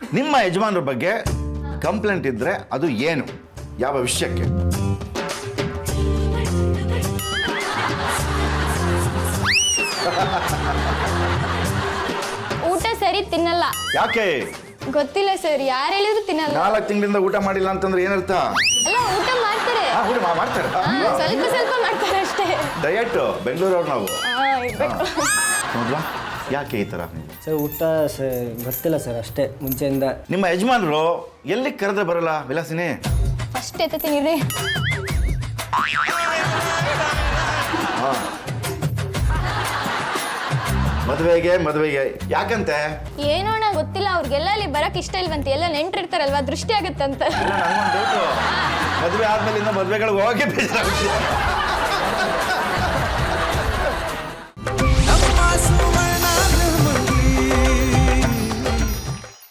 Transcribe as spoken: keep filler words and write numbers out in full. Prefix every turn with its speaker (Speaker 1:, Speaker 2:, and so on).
Speaker 1: ನಿಮ್ಮ ಯಜಮಾನ್ರ ಬಗ್ಗೆ ಕಂಪ್ಲೇಂಟ್ ಇದ್ರೆ ಅದು ಏನು, ಯಾವ ವಿಷಯಕ್ಕೆ?
Speaker 2: ಊಟ ಸರಿ ತಿನ್ನಲ್ಲ.
Speaker 1: ಯಾಕೆ?
Speaker 2: ಗೊತ್ತಿಲ್ಲ ಸರ್, ಯಾರು ಹೇಳಿದ್ರು ತಿನ್ನಲ್ಲ.
Speaker 1: ನಾಲ್ಕು ತಿಂಗಳಿಂದ ಊಟ ಮಾಡಿಲ್ಲ ಅಂತಂದ್ರೆ ಏನರ್ಥ?
Speaker 2: ಅಲ್ಲ, ಊಟ ಮಾಡ್ತಾರೆ.
Speaker 1: ಹಾ, ಊಟ ಮಾ- ಮಾಡ್ತಾರೆ
Speaker 2: ಹಾ, ಸ್ವಲ್ಪ ಸ್ವಲ್ಪ ಮಾಡ್ತಾರೆ ಅಷ್ಟೇ.
Speaker 1: ಡಯಟ್ ಬೆಂಗಳೂರವ್ರು ನಾವು.
Speaker 2: ಹಾ, ಇರ್ಬೇಕು.
Speaker 1: ನೋಡ್ವಾ ಯಾಕೆ ಈ ಥರ?
Speaker 3: ಸರ್ ಊಟ ಸ ಗೊತ್ತಿಲ್ಲ ಸರ್, ಅಷ್ಟೇ ಮುಂಚೆಯಿಂದ.
Speaker 1: ನಿಮ್ಮ ಯಜಮಾನರು ಎಲ್ಲಿ ಕರೆದ್ರೆ ಬರಲ್ಲ ವಿಲಾಸಿನಿ?
Speaker 2: ಫಸ್ಟ್ ಎತ್ತೀನಿ ರೀ.
Speaker 1: ಮದುವೆಗೆ ಮದುವೆಗೆ ಯಾಕಂತೆ?
Speaker 2: ಏನೋಣ ಗೊತ್ತಿಲ್ಲ, ಅವ್ರಿಗೆಲ್ಲ ಅಲ್ಲಿ ಬರಕ್ ಇಷ್ಟ ಇಲ್ವಂತೆ. ಎಲ್ಲ ನೆಂಟ್ರಿರ್ತಾರಲ್ವಾ, ದೃಷ್ಟಿ ಆಗತ್ತಂತ.
Speaker 1: ಇಲ್ಲ, ನನಗೊಂದು ಡೌಟು. ಮದುವೆ ಆದ್ಮೇಲಿಂದ ಮದುವೆಗಳಿಗೆ ಹೋಗಿ ಬೇಜಾರಾಗುತ್ತೆ.